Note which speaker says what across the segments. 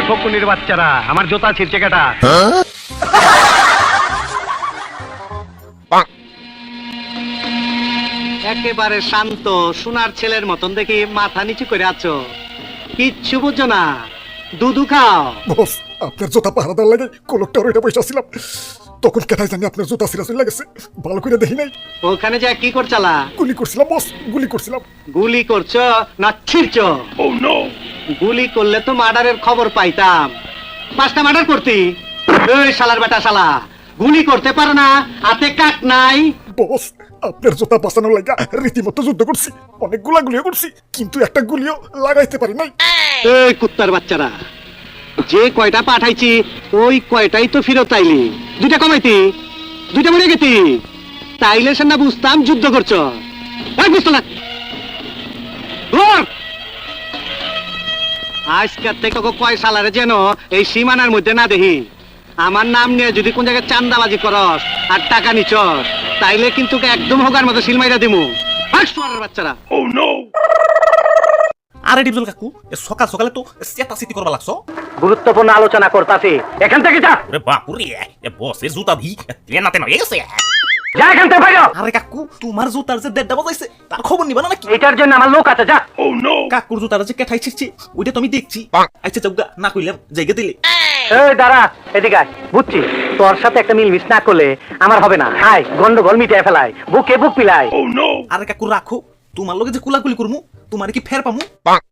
Speaker 1: ফকুনির বাচ্চারা, আমার জুতা ছিঁড়ছে কেটা? একেবারে শান্ত সোনার ছেলের মতন দেখি মাথা নিচু করে আছো, কিচ্ছু বুঝছো না। দুধু খাও।
Speaker 2: বস, আপনার জুতা পাহারাদার লাগে কলকটার ওইটা পয়সা ছিলাম, তখন কেটাই জানি আপনার জুতা সিরাজ লাগেছে, ভালো করে দেখি নাই।
Speaker 1: ওখানে যা কি করছালা?
Speaker 2: গুলি করছিলাম বস, গুলি করছিলাম।
Speaker 1: গুলি করছো না ছিড়ছো? গুলি করলে তো মার্ডারের খবর পাইতাম, 5টা মার্ডার করতি। এই শালার বেটা শালা, গুলি করতে পারো না, হাতে কাট নাই।
Speaker 2: বস, আপনার জুতা বাঁচানোর লাগা রীতিমতো যুদ্ধ করছি, অনেকগুলা গুলিও করছি, কিন্তু একটা গুলিও লাগাইতে পারি নাই।
Speaker 1: এই কুত্তার বাচ্চারা, যে কয়টা পাঠাইছি ওই কয়টাই তো ফেরত আইলি, 2টা কমাইতি, 2টা মরে গেতি, তাইলে সে না বুঝতাম যুদ্ধ করছো। এই বুঝতো না, ধর। আজকের থেকে কয় সালারে যেন এই সীমানার মধ্যে না দেখি। আমার নাম নিয়ে যদি কোন জায়গায় চান্দাবাজি করস আর টাকা নিচস, তাইলে কিন্তু একদম হোগার মতো সিলমাইরা দিমু। বাচ্চারা।
Speaker 3: আরে ডিপজল কাকু, সকাল সকালে তো চেতাচিতি করবা লাগছো।
Speaker 1: গুরুত্বপূর্ণ আলোচনা করতাছি, এখান থেকে যা।
Speaker 3: আরে বাপুরে, বসের জুতা ভি তেনা তেনা হয়ে গেছে।
Speaker 1: যা এখান থেকে বাইরে।
Speaker 3: আরে কাকু, তোমার জুতার যে 1.5টা বাজাইছে তার খবর নিবা না নাকি?
Speaker 1: এটার জন্য আমার লোক আছে, যা।
Speaker 3: কাকুর জুতার যে কেঠাই ছিড়ছে ওইটা তুমি দেখছি। আচ্ছা চৌগা না কইলাম জায়গা দিলে।
Speaker 1: এই দাঁড়া, এদিকে আয়। বুঝছি তোর সাথে একটা মিলমিশ না করলে আমার হবে না। হাই গন্ডগোল মিটিয়ে ফেলায়, বুকে বুক পিলাই।
Speaker 3: আরে কাকু রাখো, তোমার লগে যে কুলাকুলি করমু তোমার কি ফের পামু?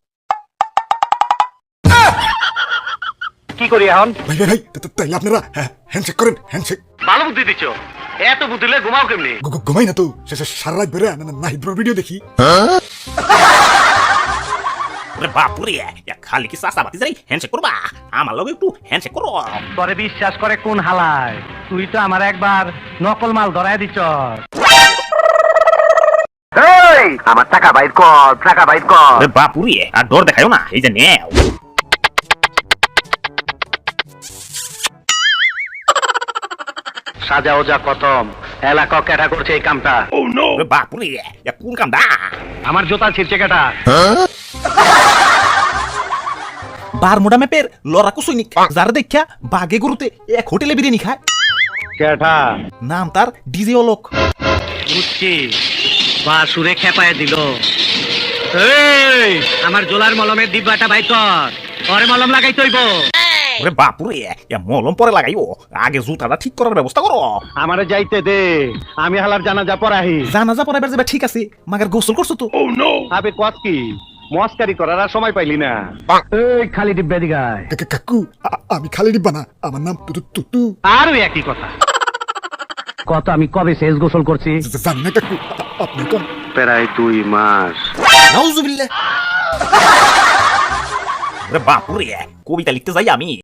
Speaker 1: কি করি এখন?
Speaker 2: ভাই ভাই ভাই, তাইলে আপনারা হ্যান্ডশেক করেন, হ্যান্ডশেক।
Speaker 1: ভালো বুদ্ধি দিচ্ছ, এত বুদ্ধি দিলে ঘুমাও কেমনি?
Speaker 2: ঘুমাই না তো, শেষে সারা রাত বেড়ে নাহিদ ভিডিও দেখি।
Speaker 3: আরে বাপুরে, খালি কি সাসা বাতি যাই হ্যান্ডশেক করবা? আমার লগে একটু হ্যান্ডশেক করো।
Speaker 1: তোরে বিশ্বাস করে কোন হালায়? তুই তো আমার একবার নকল মাল ধরায় দিচ্ছ। আমার টাকা বাইর কর, টাকা বাইর কর।
Speaker 3: আরে বাপুরে, আর ডর দেখায়ও না, এই যে নেও।
Speaker 1: সাজা ওজা খতম, এলাকা কেটা করছে এই কামটা।
Speaker 3: আরে বাপুরে, কোন কামটা?
Speaker 1: আমার জুতা ছিঁড়ছে কেটা?
Speaker 3: বারমুডা ম্যাপের লড়াকু সৈনিক, যারা দেখা বাগে গরুতে এক হোটেলে বিরিয়ানি খায়।
Speaker 1: কেটা?
Speaker 3: নাম তার ডিজে অলোক।
Speaker 1: বুঝছি, বা সুরে খেপায় দিল। এই আমার জোলার মলমের ডিব্বাটা বাই কর, পরে মলম লাগাই তৈব।
Speaker 3: ওরে বাপুরে, মলম পরে লাগাইও, আগে জুতাটা ঠিক করার ব্যবস্থা করো।
Speaker 1: আমারে যাইতে দে, আমি হালার জানাজা পড়াহি।
Speaker 3: জানাজা পড়াবার যাবে ঠিক আছে, মাগার গোসল করছো তো?
Speaker 1: আবে কত কি মস্কারি করার আর সময় পাইলি না। এই খালি ডিব্বা দিগায়।
Speaker 2: কাকু, আমি খালি ডিব্বা না, আমার নাম তুতু।
Speaker 1: আরো একই কথা। কত আমি কবে শেষ গোসল করছি?
Speaker 2: জানি না কাকু, আপনি কোন?
Speaker 1: প্রায় 2 মাস।
Speaker 3: নাউজুবিল্লাহ। ওরে বাপুরে, কবিতা লিখতে যাই আমি।